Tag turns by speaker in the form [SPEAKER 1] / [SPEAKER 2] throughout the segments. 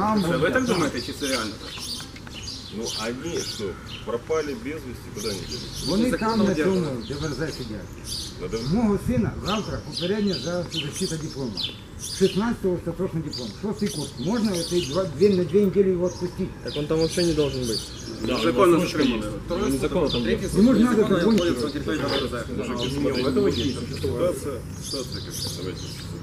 [SPEAKER 1] Там
[SPEAKER 2] Вы так думаете, чи це реально?
[SPEAKER 3] Ну, они что, пропали без вести, куда они делись?
[SPEAKER 1] Вони там на цьому ДВРЗ сидять.
[SPEAKER 3] Надо...
[SPEAKER 1] Мого сина завтра попередня защита диплома. 16-го остаточный диплом. 6-й курс. Можно на 2 недели его отпустить?
[SPEAKER 4] Так он там вообще не должен быть.
[SPEAKER 2] Да, законно затримали.
[SPEAKER 4] Незаконно там быть.
[SPEAKER 1] Ему же надо закончить.
[SPEAKER 3] Мужики, смотрите, ситуация какая, давайте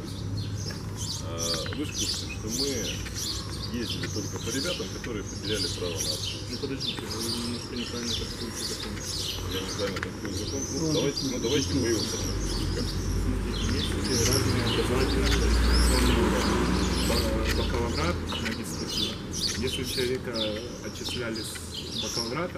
[SPEAKER 3] вы же в курсе, что мы ездили только по ребятам, которые потеряли право на отпуск.
[SPEAKER 4] Ну подождите, вы немножко неправильно трактуете закон.
[SPEAKER 3] Я неправильно такой закон. Давайте мы его посмотрим.
[SPEAKER 4] Есть разные образовательные бакалаврат, магистратура. Если человека отчисляли с бакалаврата,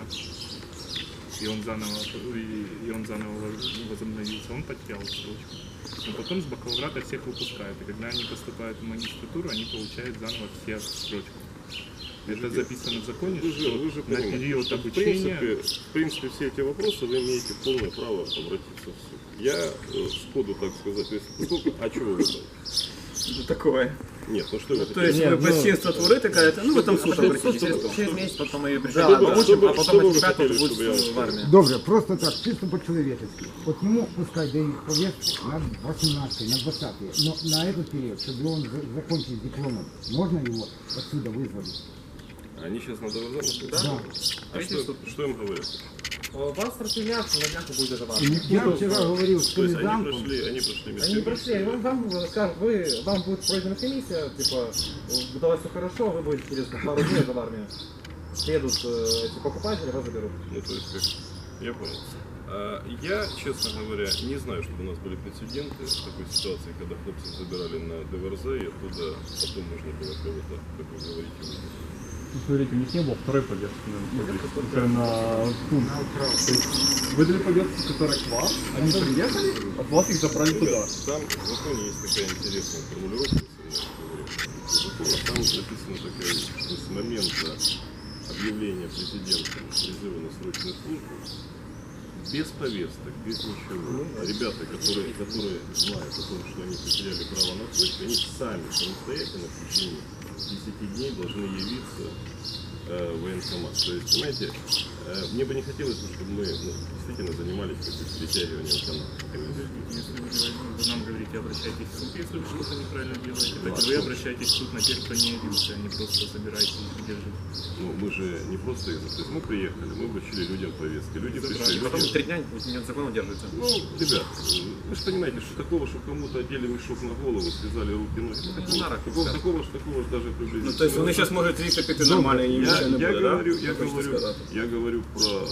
[SPEAKER 4] и он заново возобновился, он потерял срочку. Но потом с бакалаврата всех выпускают, и когда они поступают в магистратуру, они получают заново все срочку. Это записано в законе,
[SPEAKER 3] Вы же
[SPEAKER 4] на период обучения...
[SPEAKER 3] В принципе, все эти вопросы вы имеете полное право обратиться в суд. Я сходу, так сказать, то есть, поскольку, а чего вы думаете?
[SPEAKER 2] Такое.
[SPEAKER 3] Нет, ну что вы
[SPEAKER 2] То есть ви безчинство творите, кажете, ну ви там суд обратите.
[SPEAKER 5] Через месяц потом ее пришли,
[SPEAKER 3] Да,
[SPEAKER 5] получим, а
[SPEAKER 3] что
[SPEAKER 5] потом
[SPEAKER 3] вы
[SPEAKER 5] от тебя
[SPEAKER 3] хотели,
[SPEAKER 5] тут
[SPEAKER 3] чтобы я
[SPEAKER 5] будет в армии.
[SPEAKER 1] Добре, просто так, чисто по-человечески. Вот ему пускай дают повестки на 18 на 20 но на этот период, чтобы он закончил дипломом, можно его отсюда вызвать?
[SPEAKER 3] Они сейчас на ДВЗ находятся?
[SPEAKER 1] Да.
[SPEAKER 3] А что им говорят?
[SPEAKER 5] Вас расстрелят, на днях будет это важно.
[SPEAKER 1] Я вчера говорил с
[SPEAKER 3] То есть
[SPEAKER 1] комендантом.
[SPEAKER 3] они прошли
[SPEAKER 5] Они не
[SPEAKER 3] медицину.
[SPEAKER 5] прошли, вам скажут, вам будет пройдена комиссия, типа, давай все хорошо, вы будете через пару дней в армию. Приедут эти покупатели, вас заберут.
[SPEAKER 3] Ну, то есть, как... Я понял. Я, честно говоря, не знаю, чтобы у нас были прецеденты в такой ситуации, когда хлопцев забирали на ДВРЗ, и оттуда потом можно было кого-то, как вы говорите, вывести.
[SPEAKER 6] Ну, смотрите, у них не было второй повестки на пункт. То есть выдали повестку, которая к вам, они приехали, от вас их забрали туда.
[SPEAKER 3] Там в законе есть такая интересная формулировка, там написано такая, что с момента объявления президентом призыва на срочную службу, без повесток, без ничего, ребята, которые знают о том, что они потеряли право на отпуск, они сами самостоятельно в течение 10 дней должны явиться в военкомат. То есть, понимаете, мне бы не хотелось, чтобы мы действительно занимались перетягиванием канала.
[SPEAKER 4] Если вы нам говорите, обращайтесь в суд, если вы что-то неправильно делаете, так вы обращаетесь в суд на тех, кто не явился, а не просто собираете их держать.
[SPEAKER 3] Ну, мы же не просто их, то есть мы приехали, мы вручили людям повестки, люди пришли.
[SPEAKER 5] Потом 3 дня незаконно держится.
[SPEAKER 3] Ну, ребят, вы же понимаете, что такого, что кому-то одели мешок на голову, связали руки, ноги, такого же даже приблизительно.
[SPEAKER 2] Ну, то есть вони зараз можуть звідти піти нормально і нічого не буде, да?
[SPEAKER 3] Я говорю про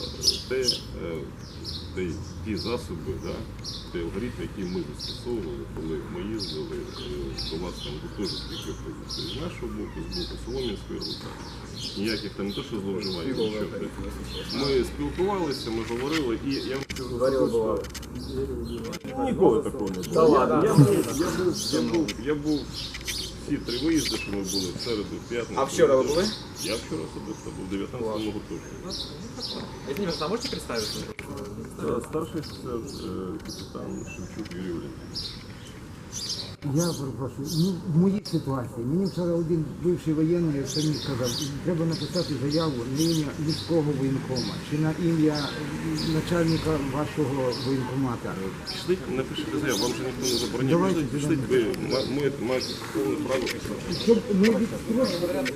[SPEAKER 3] ті засоби, да, ті алгоритми, які ми застосовували, коли ми їздили до вас там гуртожитки виходити. З нашого боку, з боку Солом'янської роти. Ніяких там не то, що зловживань, нічого. Ми спілкувалися, ми говорили, і я вам ніколи такого не було. Я був всі 3 виїзди, що ми були в середу, в п'ятницю.
[SPEAKER 5] А вчора ви були?
[SPEAKER 3] Я вчора особисто був в 19-му гуртожитку.
[SPEAKER 5] Извините, а можете представиться?
[SPEAKER 3] Старший офіцер, капітан Шевчук Юрій Валентинович.
[SPEAKER 1] Я перепрошую, ну, в моїй ситуації, мені вчора один бивший воєнний мені сказав, треба написати заяву на ім'я міського воєнкома, чи на ім'я начальника вашого воєнкомата.
[SPEAKER 3] Пішли, напишіть заяву, вам же ніхто не забороняє. Пішли, ви маєте повне право писати.
[SPEAKER 1] Щоб ми відстрочили.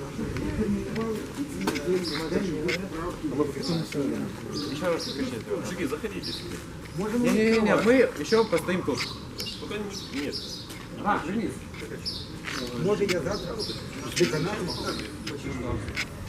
[SPEAKER 5] Еще раз кричите.
[SPEAKER 3] Мужики, заходите сюда.
[SPEAKER 5] Не-не-не, мы еще постоим тут.
[SPEAKER 3] Пока нет.
[SPEAKER 1] Може я завтра з деканатом